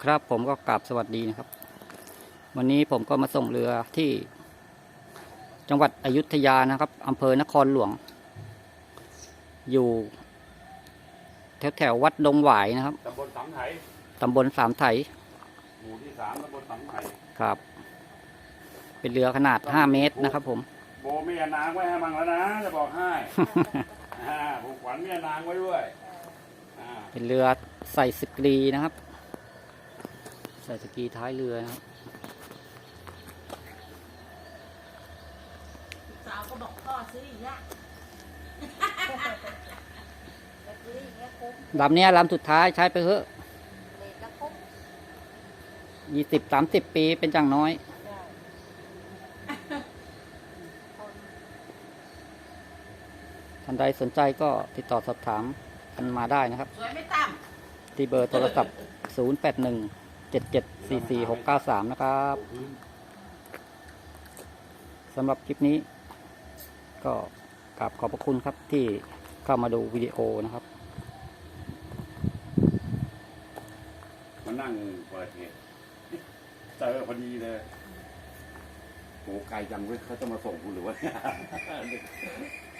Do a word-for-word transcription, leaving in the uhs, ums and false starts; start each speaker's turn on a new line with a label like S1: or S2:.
S1: ครับผมก็กราบสวัสดีนะครับวันนี้ผมก็มาส่งเรือที่จังหวัดอยุธยานะครับอำเภอนครหลวงอยู่แถวแถววัดดงหวายนะครับ
S2: ตำบลสามไถ
S1: ตำบลสามไถ
S2: หมู่ที่สามตำบลสามไถ
S1: ครับเป็นเรือขนาดห้าเมตรนะครับผม
S2: โบเมียนางไว้ให้มังแล้วนะจะบอกให้ ผูกขวัญเมียนางไว้ด้วย
S1: เป็นเรือใส่สกรีนะครับใส่สกีท้ายเรือนะครับ
S3: สาวก็บอกพ่อซื้ออีกละ
S1: ลำนี้ลำสุดท้ายใช้ไปเถอะยี่สิบสามสิบปีเป็นจังน้อยท่านใดสนใจก็ติดต่อสอบถามกันมาได้นะครับที่เบอร์โทรศัพท์ศูนย์ แปด หนึ่ง เจ็ด เจ็ด สี่ สี่ หก เก้า สามนะครับสำหรับคลิปนี้ก็กราบขอบพระคุณครับที่เข้ามาดูวิดีโอนะครับ
S2: มานั่งเปิดเหตุเจอพอดีเลยโหไกลจังเว้ยเขาจะมาส่งคุณหรือวะ